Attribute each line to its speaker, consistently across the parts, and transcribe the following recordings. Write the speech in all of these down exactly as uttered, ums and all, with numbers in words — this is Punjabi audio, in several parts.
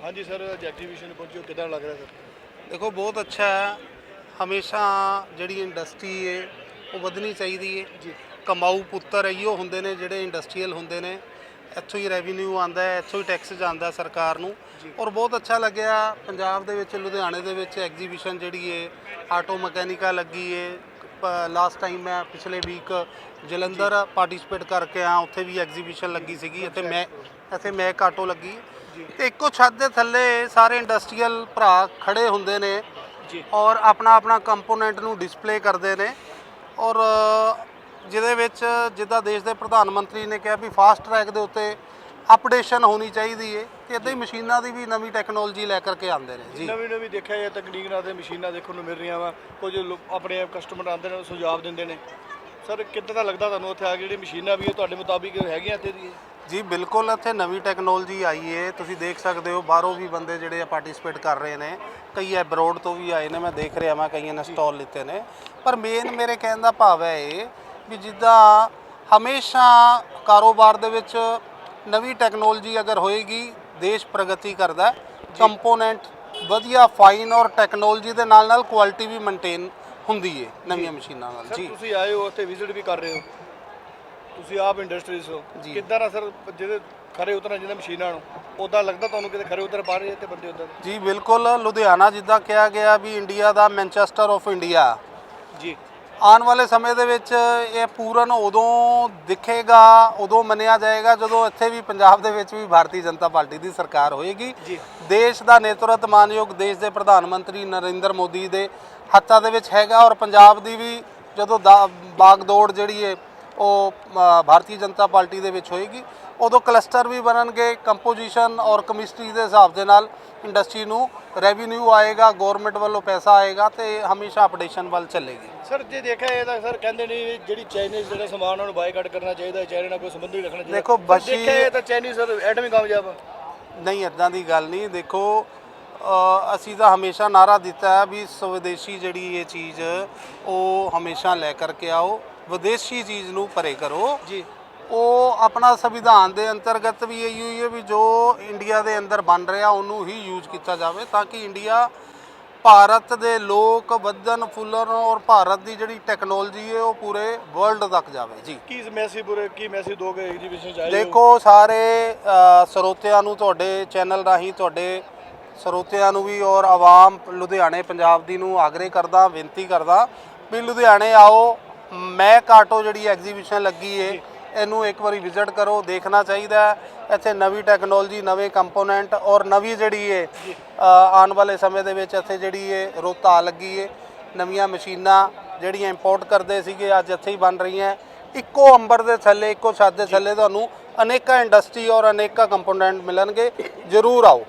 Speaker 1: हाँ जी सर, अज एग्जीबिशन पहुंचे कितना लग रहा है सर?
Speaker 2: देखो बहुत अच्छा है। हमेशा ਜਿਹੜੀ ਇੰਡਸਟਰੀ ਹੈ ਉਹ ਵਧਣੀ ਚਾਹੀਦੀ ਹੈ ਜੀ। ਕਮਾਊ ਪੁੱਤਰ ਇਹੋ ਹੁੰਦੇ ਨੇ ਜਿਹੜੇ ਇੰਡਸਟਰੀਅਲ ਹੁੰਦੇ ਨੇ, ਇੱਥੋਂ ਹੀ ਰੈਵਨਿਊ ਆਉਂਦਾ ਹੈ, ਇੱਥੋਂ ਹੀ ਟੈਕਸ ਜਾਂਦਾ ਸਰਕਾਰ ਨੂੰ। ਔਰ ਬਹੁਤ ਅੱਛਾ ਲੱਗਿਆ ਪੰਜਾਬ ਦੇ ਵਿੱਚ ਲੁਧਿਆਣੇ ਦੇ ਵਿੱਚ ਐਗਜ਼ੀਬਿਸ਼ਨ ਜਿਹੜੀ ਹੈ ਆਟੋ ਮਕੈਨਿਕਾ ਲੱਗੀ ਹੈ। ਲਾਸਟ ਟਾਈਮ ਮੈਂ ਪਿਛਲੇ ਵੀਕ ਜਲੰਧਰ ਪਾਰਟਿਸਿਪੇਟ ਕਰਕੇ ਆ, ਉੱਥੇ ਵੀ ਐਗਜ਼ੀਬਿਸ਼ਨ ਲੱਗੀ ਸੀਗੀ। ਇੱਥੇ ਮੈਂ ਇੱਥੇ ਮੈਕ ਆਟੋ ਲੱਗੀ ਤੇ ਇੱਕੋ ਛੱਤ ਦੇ ਥੱਲੇ ਸਾਰੇ ਇੰਡਸਟਰੀਅਲ ਭਰਾ ਖੜੇ ਹੁੰਦੇ ਨੇ ਔਰ ਆਪਣਾ ਆਪਣਾ ਕੰਪੋਨੈਂਟ ਨੂੰ ਡਿਸਪਲੇ ਕਰਦੇ ਨੇ। ਔਰ ਜਿਹਦੇ ਵਿੱਚ ਜਿੱਦਾਂ ਦੇਸ਼ ਦੇ ਪ੍ਰਧਾਨ ਮੰਤਰੀ ਨੇ ਕਿਹਾ ਵੀ ਫਾਸਟ ਟਰੈਕ ਦੇ ਉੱਤੇ ਅਪਡੇਸ਼ਨ ਹੋਣੀ ਚਾਹੀਦੀ ਹੈ ਤੇ ਇੱਦਾਂ ਹੀ ਮਸ਼ੀਨਾਂ ਦੀ ਵੀ ਨਵੀਂ ਟੈਕਨੋਲੋਜੀ ਲੈ ਕਰਕੇ ਆਉਂਦੇ ਨੇ ਜੀ।
Speaker 1: ਨਵੀਂ ਨਵੀਂ ਦੇਖਿਆ ਜਾਂ ਤਕਨੀਕ ਨਾਲ ਤੇ ਮਸ਼ੀਨਾਂ ਦੇਖਣ ਨੂੰ ਮਿਲ ਰਹੀਆਂ ਵਾ। ਕੁਝ ਆਪਣੇ ਕਸਟਮਰ ਆਉਂਦੇ ਨੇ ਸੁਝਾਅ ਦਿੰਦੇ ਨੇ। ਸਰ ਕਿੱਦਾਂ ਦਾ ਲੱਗਦਾ ਤੁਹਾਨੂੰ ਉੱਥੇ ਆ ਕੇ ਜਿਹੜੀ ਮਸ਼ੀਨਾਂ ਵੀ ਤੁਹਾਡੇ ਮੁਤਾਬਿਕ ਹੈਗੀਆਂ ਇੱਥੇ ਦੀ?
Speaker 2: ਜੀ ਬਿਲਕੁਲ, ਇੱਥੇ ਨਵੀਂ ਟੈਕਨੋਲੋਜੀ ਆਈ ਹੈ। ਤੁਸੀਂ ਦੇਖ ਸਕਦੇ ਹੋ ਬਾਹਰੋਂ ਵੀ ਬੰਦੇ ਜਿਹੜੇ ਆ ਪਾਰਟਿਸਿਪੇਟ ਕਰ ਰਹੇ ਨੇ, ਕਈ ਐਬਰੋਡ ਤੋਂ ਵੀ ਆਏ ਨੇ। ਮੈਂ ਦੇਖ ਰਿਹਾ ਮੈਂ ਕਈਆਂ ਨੇ ਸਟਾਲ ਲਿੱਤੇ ਨੇ। ਪਰ ਮੇਨ ਮੇਰੇ ਕਹਿਣ ਦਾ ਭਾਵ ਹੈ ਇਹ ਵੀ ਜਿੱਦਾਂ ਹਮੇਸ਼ਾ ਕਾਰੋਬਾਰ ਦੇ ਵਿੱਚ ਨਵੀਂ ਟੈਕਨੋਲੋਜੀ ਅਗਰ ਹੋਏਗੀ ਦੇਸ਼ ਪ੍ਰਗਤੀ ਕਰਦਾ। ਕੰਪੋਨੈਂਟ ਵਧੀਆ ਫਾਈਨ ਔਰ ਟੈਕਨੋਲੋਜੀ ਦੇ ਨਾਲ ਨਾਲ ਕੁਆਲਿਟੀ ਵੀ ਮੇਨਟੇਨ ਹੁੰਦੀ ਹੈ ਨਵੀਆਂ ਮਸ਼ੀਨਾਂ ਨਾਲ ਜੀ।
Speaker 1: ਤੁਸੀਂ ਆਏ ਹੋ ਉੱਥੇ ਵਿਜ਼ਿਟ ਵੀ ਕਰ ਰਹੇ ਹੋ, ਤੁਸੀਂ ਆਪ ਇੰਡਸਟਰੀਜ਼ ਹੋ, ਕਿੱਦਾਂ ਦਾ ਸਰ ਜਿਹੜੇ ਖਰੇ ਉਤਰਨਾ ਜਿਹਨਾਂ ਮਸ਼ੀਨਾਂ ਨੂੰ ਉੱਦਾਂ ਲੱਗਦਾ ਤੁਹਾਨੂੰ ਕਿਤੇ ਖਰੇ ਉਤਰ ਪਾ ਰਹੇ ਤੇ ਬੰਦੇ ਉੱਦਾਂ? ਜੀ
Speaker 2: ਬਿਲਕੁਲ, ਲੁਧਿਆਣਾ ਜਿੱਦਾਂ ਕਿਹਾ ਗਿਆ ਵੀ ਇੰਡੀਆ ਦਾ ਮੈਨਚੈਸਟਰ ਆਫ ਇੰਡੀਆ
Speaker 1: ਜੀ,
Speaker 2: ਆਉਣ ਵਾਲੇ ਸਮੇਂ ਦੇ ਵਿੱਚ ਇਹ ਪੂਰਨ ਉਦੋਂ ਦਿਖੇਗਾ, ਉਦੋਂ ਮੰਨਿਆ ਜਾਏਗਾ ਜਦੋਂ ਇੱਥੇ ਵੀ ਪੰਜਾਬ ਦੇ ਵਿੱਚ ਵੀ ਭਾਰਤੀ ਜਨਤਾ ਪਾਰਟੀ ਦੀ ਸਰਕਾਰ ਹੋਏਗੀ। ਦੇਸ਼ ਦਾ ਨੇਤਰਤਵ ਮਾਨਯੋਗ ਦੇਸ਼ ਦੇ ਪ੍ਰਧਾਨ ਮੰਤਰੀ ਨਰਿੰਦਰ ਮੋਦੀ ਦੇ ਹੱਥਾਂ ਦੇ ਵਿੱਚ ਹੈਗਾ। ਔਰ ਪੰਜਾਬ ਦੀ ਵੀ ਜਦੋਂ ਬਾਗਦੌੜ ਜਿਹੜੀ ਹੈ ਉਹ ਭਾਰਤੀ ਜਨਤਾ ਪਾਰਟੀ ਦੇ ਵਿੱਚ ਹੋਏਗੀ, ਉਦੋਂ ਕਲਸਟਰ ਵੀ ਬਣਨਗੇ। ਕੰਪੋਜੀਸ਼ਨ ਔਰ ਕੈਮਿਸਟਰੀ ਦੇ ਹਿਸਾਬ ਦੇ ਨਾਲ ਇੰਡਸਟਰੀ ਨੂੰ ਰੈਵਨਿਊ ਆਏਗਾ, ਗੌਰਮੈਂਟ ਵੱਲੋਂ ਪੈਸਾ ਆਏਗਾ ਤੇ ਹਮੇਸ਼ਾ ਅਪਡੇਸ਼ਨ ਵੱਲ ਚੱਲੇਗੀ।
Speaker 1: ਸਰ ਜੇ ਦੇਖਿਆ ਇਹ ਤਾਂ ਸਰ ਕਹਿੰਦੇ ਨੇ ਜਿਹੜੀ ਚਾਈਨੀਜ਼ ਜਿਹੜਾ ਸਮਾਨ ਉਹਨਾਂ ਨੂੰ ਬਾਈਕਾਟ ਕਰਨਾ ਚਾਹੀਦਾ, ਚਾਈਨਾ ਨਾਲ ਕੋਈ ਸੰਬੰਧ ਨਹੀਂ ਰੱਖਣਾ ਚਾਹੀਦਾ।
Speaker 2: ਦੇਖੋ ਬਸ਼ੀ
Speaker 1: ਦੇਖਿਆ ਇਹ ਤਾਂ ਚਾਈਨੀਜ਼ ਸਰ ਐਟਮੀ ਕਾਮਯਾਬ
Speaker 2: ਨਹੀਂ, ਇੱਦਾਂ ਦੀ ਗੱਲ ਨਹੀਂ। ਦੇਖੋ ਅਸੀਂ ਤਾਂ ਹਮੇਸ਼ਾ ਨਾਅਰਾ ਦਿੱਤਾ ਹੈ ਵੀ ਸਵਦੇਸ਼ੀ ਜਿਹੜੀ ਇਹ ਚੀਜ਼ ਉਹ ਹਮੇਸ਼ਾ ਲੈ ਕਰਕੇ ਆਓ, ਵਿਦੇਸ਼ੀ ਚੀਜ਼ ਨੂੰ ਪਰੇ ਕਰੋ ਜੀ। ਉਹ ਆਪਣਾ ਸੰਵਿਧਾਨ ਦੇ ਅੰਤਰਗਤ ਵੀ ਇਹੀ ਹੋਈ ਹੈ ਵੀ ਜੋ ਇੰਡੀਆ ਦੇ ਅੰਦਰ ਬਣ ਰਿਹਾ ਉਹਨੂੰ ਹੀ ਯੂਜ਼ ਕੀਤਾ ਜਾਵੇ ਤਾਂ ਕਿ ਇੰਡੀਆ ਭਾਰਤ ਦੇ ਲੋਕ ਵਧਣ ਫੁੱਲਣ ਔਰ ਭਾਰਤ ਦੀ ਜਿਹੜੀ ਟੈਕਨੋਲੋਜੀ ਹੈ ਉਹ ਪੂਰੇ ਵਰਲਡ ਤੱਕ ਜਾਵੇ ਜੀ।
Speaker 1: ਕੀ ਮੈਸੇਜ ਪੂਰੇ ਕੀ ਮੈਸੇਜ ਦੋਗੇ ਐਗਜ਼ੀਬਿਸ਼ਨ ਚ ਆਏ?
Speaker 2: ਦੇਖੋ ਸਾਰੇ ਸਰੋਤਿਆਂ ਨੂੰ, ਤੁਹਾਡੇ ਚੈਨਲ ਰਾਹੀਂ ਤੁਹਾਡੇ ਸਰੋਤਿਆਂ ਨੂੰ ਵੀ ਔਰ ਆਵਾਮ ਲੁਧਿਆਣੇ ਪੰਜਾਬ ਦੀ ਨੂੰ ਆਗਰੇ ਕਰਦਾ, ਬੇਨਤੀ ਕਰਦਾ ਵੀ ਲੁਧਿਆਣੇ ਆਓ। ਮੈਕ ਆਟੋ ਜਿਹੜੀ ਐਗਜ਼ੀਬਿਸ਼ਨ ਲੱਗੀ ਹੈ ਇਹਨੂੰ ਇੱਕ ਵਾਰੀ ਵਿਜ਼ਿਟ ਕਰੋ, ਦੇਖਣਾ ਚਾਹੀਦਾ। ਇੱਥੇ ਨਵੀਂ ਟੈਕਨੋਲੋਜੀ, ਨਵੇਂ ਕੰਪੋਨੈਂਟ ਔਰ ਨਵੀਂ ਜਿਹੜੀ ਹੈ ਆਉਣ ਵਾਲੇ ਸਮੇਂ ਦੇ ਵਿੱਚ ਇੱਥੇ ਜਿਹੜੀ ਹੈ ਰੋਤਾ ਲੱਗੀ ਹੈ। ਨਵੀਆਂ ਮਸ਼ੀਨਾਂ ਜਿਹੜੀਆਂ ਇੰਪੋਰਟ ਕਰਦੇ ਸੀਗੇ ਅੱਜ ਇੱਥੇ ਹੀ ਬਣ ਰਹੀਆਂ। ਇੱਕੋ ਅੰਬਰ ਦੇ ਥੱਲੇ, ਇੱਕੋ ਛੱਤ ਦੇ ਥੱਲੇ ਤੁਹਾਨੂੰ ਅਨੇਕਾਂ ਇੰਡਸਟਰੀ ਔਰ ਅਨੇਕਾਂ ਕੰਪੋਨੈਂਟ ਮਿਲਣਗੇ। ਜ਼ਰੂਰ ਆਓ।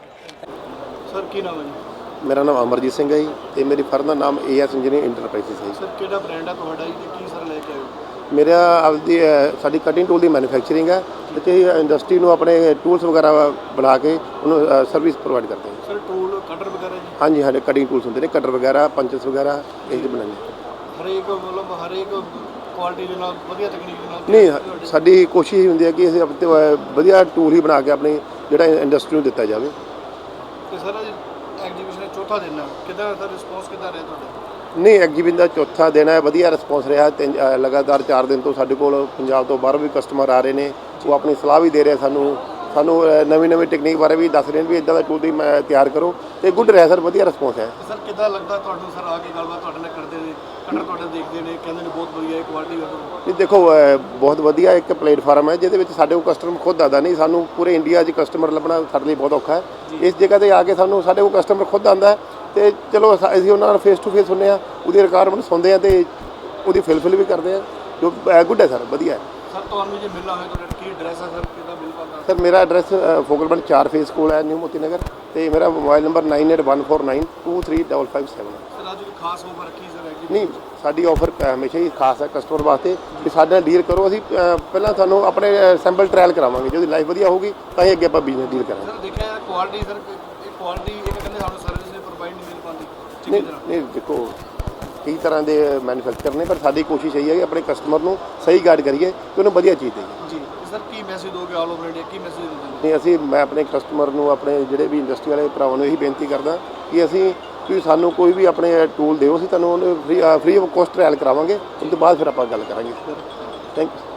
Speaker 1: ਸਰ ਕੀ ਨਾਮ ਹੈ ਜੀ?
Speaker 3: ਮੇਰਾ ਨਾਮ ਅਮਰਜੀਤ ਸਿੰਘ ਹੈ ਜੀ ਤੇ ਮੇਰੀ ਫਰਮ ਦਾ ਨਾਮ ਏ ਐਸ ਇੰਜੀਨੀਅਰਿੰਗ ਇੰਟਰਪ੍ਰਾਈਜ਼ਸ ਹੈ।
Speaker 1: ਸਰ ਕਿਹੜਾ ਬ੍ਰਾਂਡ ਹੈ ਤੁਹਾਡਾ ਜੀ ਤੇ ਕੀ ਸਰ ਲੈ ਕੇ ਆਏ ਹੋ?
Speaker 3: ਮੇਰਾ ਆਪਦੀ ਸਾਡੀ ਕਟਿੰਗ ਟੂਲ ਦੀ ਮੈਨੂਫੈਕਚਰਿੰਗ ਹੈ ਤੇ ਇੰਡਸਟਰੀ ਨੂੰ ਆਪਣੇ ਟੂਲਸ ਵਗੈਰਾ ਬਣਾ ਕੇ ਉਹਨੂੰ ਸਰਵਿਸ ਪ੍ਰੋਵਾਈਡ ਕਰਦੇ ਹਾਂ।
Speaker 1: ਸਰ ਟੂਲ ਕਟਰ ਵਗੈਰਾ ਜੀ?
Speaker 3: ਹਾਂਜੀ, ਸਾਡੇ ਕਟਿੰਗ ਟੂਲਸ ਹੁੰਦੇ ਨੇ, ਕਟਰ ਵਗੈਰਾ, ਪੰਚਸ ਵਗੈਰਾ ਇਹ ਜਿਹੇ ਬਣਾਉਂਦੇ।
Speaker 1: ਹਰੇਕ ਮਤਲਬ ਹਰੇਕ ਕੁਆਲਿਟੀ ਦੇ ਨਾਲ ਵਧੀਆ ਤਕਨੀਕ ਦੇ ਨਾਲ?
Speaker 3: ਨਹੀਂ, ਸਾਡੀ ਕੋਸ਼ਿਸ਼ ਹੁੰਦੀ ਹੈ ਕਿ ਅਸੀਂ ਵਧੀਆ ਟੂਲ ਹੀ ਬਣਾ ਕੇ ਆਪਣੀ ਜਿਹੜਾ ਇੰਡਸਟਰੀ ਨੂੰ ਦਿੱਤਾ ਜਾਵੇ।
Speaker 1: ਤੇ ਸਰ ਐਗਜ਼ੀਬਿਸ਼ਨ ਦਾ ਚੌਥਾ ਦਿਨ ਹੈ, ਕਿੱਦਾਂ ਦਾ ਰਿਸਪੌਂਸ ਕਿੱਦਾਂ ਰਿਹਾ ਤੁਹਾਡਾ?
Speaker 3: ਨਹੀਂ, ਐਗਜ਼ੀਬਿਸ਼ਨ ਦਾ ਚੌਥਾ ਦਿਨ ਹੈ, ਵਧੀਆ ਰਿਸਪੌਂਸ ਰਿਹਾ। ਤਿੰਨ ਲਗਾਤਾਰ ਚਾਰ ਦਿਨ ਤੋਂ ਸਾਡੇ ਕੋਲ ਪੰਜਾਬ ਤੋਂ ਬਾਹਰੋਂ ਵੀ ਕਸਟਮਰ ਆ ਰਹੇ ਨੇ। ਉਹ ਆਪਣੀ ਸਲਾਹ ਵੀ ਦੇ ਰਹੇ ਸਾਨੂੰ ਸਾਨੂੰ ਨਵੀਂ ਨਵੀਂ ਟੈਕਨੀਕ ਬਾਰੇ ਵੀ ਦੱਸ ਰਹੇ ਨੇ ਵੀ ਇੱਦਾਂ ਦਾ ਟੂਲ ਦੀ ਮੈਂ ਤਿਆਰ ਕਰੋ ਤੇ ਗੁੱਡ ਰਿਹਾ ਸਰ, ਵਧੀਆ ਰਿਸਪੌਂਸ ਹੈ।
Speaker 1: ਸਰ ਕਿੱਦਾਂ ਲੱਗਦਾ ਤੁਹਾਨੂੰ ਸਰ ਆ ਕੇ ਗੱਲਬਾਤ ਤੁਹਾਡੇ ਨਾਲ ਕਰਦੇ ਨੇ, ਕਟਰ ਤੁਹਾਡੇ ਦੇਖਦੇ ਨੇ, ਕਹਿੰਦੇ ਨੇ ਬਹੁਤ ਵਧੀਆ ਕੁਆਲਿਟੀ ਹੈ?
Speaker 3: ਨਹੀਂ ਦੇਖੋ, ਬਹੁਤ ਵਧੀਆ ਇੱਕ ਪਲੇਟਫਾਰਮ ਹੈ ਜਿਹਦੇ ਵਿੱਚ ਸਾਡੇ ਕੋਲ ਕਸਟਮਰ ਖੁਦ ਆਉਂਦਾ। ਨਹੀਂ, ਸਾਨੂੰ ਪੂਰੇ ਇੰਡੀਆ 'ਚ ਕਸਟਮਰ ਲੱਭਣਾ ਸਾਡੇ ਲਈ ਬਹੁਤ ਔਖਾ ਹੈ। ਇਸ ਜਗ੍ਹਾ 'ਤੇ ਆ ਕੇ ਸਾਨੂੰ ਸਾਡੇ ਕੋਲ ਕਸਟਮਰ ਖੁਦ ਆਉਂਦਾ ਅਤੇ ਚਲੋ ਅਸੀਂ ਉਹਨਾਂ ਨਾਲ ਫੇਸ ਟੂ ਫੇਸ ਹੁੰਦੇ ਹਾਂ, ਉਹਦੀ ਰਿਕੁਆਇਰਮੈਂਟ ਸੁਣਦੇ ਹਾਂ ਅਤੇ ਉਹਦੀ ਫਿਲਫਿਲ ਵੀ ਕਰਦੇ ਹਾਂ, ਜੋ ਗੁੱਡ ਹੈ ਸਰ, ਵਧੀਆ ਹੈ।
Speaker 1: ਸਰ ਤੁਹਾਨੂੰ ਜੇ ਮਿਲਣਾ ਹੋਵੇ ਤੁਹਾਡਾ ਕੀ ਐਡਰੈਸ ਹੈ ਸਰ, ਕਿੱਦਾਂ ਮਿਲ ਪਾਉਂਦਾ?
Speaker 3: ਸਰ ਮੇਰਾ ਐਡਰੈਸ ਫੋਕਲਬੰਡ ਚਾਰ ਫੇਸ ਕੋਲ ਹੈ, ਨਿਊ ਮੋਤੀ ਨਗਰ, ਅਤੇ ਮੇਰਾ mobile number nine eight one four nine two three double five seven ਹੈ।
Speaker 1: ਸਰ ਅੱਜ ਖਾਸ ਆਫਰ ਰੱਖੀ ਸਰ?
Speaker 3: ਨਹੀਂ, ਸਾਡੀ ਆਫਰ ਹਮੇਸ਼ਾ ਹੀ ਖਾਸ ਹੈ ਕਸਟਮਰ ਵਾਸਤੇ ਕਿ ਸਾਡੇ ਨਾਲ ਡੀਲ ਕਰੋ। ਅਸੀਂ ਪਹਿਲਾਂ ਤੁਹਾਨੂੰ ਆਪਣੇ ਸੈਂਪਲ ਟਰਾਇਲ ਕਰਾਵਾਂਗੇ, ਜੇ ਲਾਈਫ ਵਧੀਆ ਹੋਊਗੀ ਤਾਂ ਹੀ ਅੱਗੇ ਆਪਾਂ ਬਿਜ਼ਨਸ ਡੀਲ ਕਰਾਂਗੇ।
Speaker 1: ਸਰ ਦੇਖਿਆ ਕੁਆਲਿਟੀ ਸਰ, ਇਹ ਕੁਆਲਿਟੀ ਇਹ ਕਹਿੰਦੇ ਸਾਨੂੰ ਸਰਵਿਸ ਪ੍ਰੋਵਾਈਡ ਨਹੀਂ ਮਿਲ ਪਾਉਂਦੀ?
Speaker 3: ਨਹੀਂ ਨਹੀਂ, ਦੇਖੋ ਕਈ ਤਰ੍ਹਾਂ ਦੇ ਮੈਨੂਫੈਕਚਰ ਨੇ, ਪਰ ਸਾਡੀ ਕੋਸ਼ਿਸ਼ ਇਹੀ ਹੈ ਕਿ ਆਪਣੇ ਕਸਟਮਰ ਨੂੰ ਸਹੀ ਗਾਈਡ ਕਰੀਏ ਕਿ ਉਹਨੂੰ ਵਧੀਆ ਚੀਜ਼ ਦੇਈਏ।
Speaker 1: ਜੀ ਸਰ, ਕੀ ਮੈਸੇਜ ਦੋਗੇ ਆਲ ਓਵਰ ਇੰਡੀਆ, ਕੀ ਮੈਸੇਜ ਦਿੰਦੇ
Speaker 3: ਨਹੀਂ, ਅਸੀਂ ਮੈਂ ਆਪਣੇ ਕਸਟਮਰ ਨੂੰ, ਆਪਣੇ ਜਿਹੜੇ ਵੀ ਇੰਡਸਟਰੀ ਵਾਲੇ ਭਰਾਵਾਂ ਨੂੰ ਇਹੀ ਬੇਨਤੀ ਕਰਦਾ ਕਿ ਅਸੀਂ ਕਿ ਸਾਨੂੰ ਕੋਈ ਵੀ ਆਪਣੇ ਟੂਲ ਦਿਓ, ਅਸੀਂ ਤੁਹਾਨੂੰ ਉਹਨੂੰ free free of cost trial ਕਰਾਵਾਂਗੇ, ਉਸ ਤੋਂ ਬਾਅਦ ਫਿਰ ਆਪਾਂ ਗੱਲ ਕਰਾਂਗੇ। Thank you.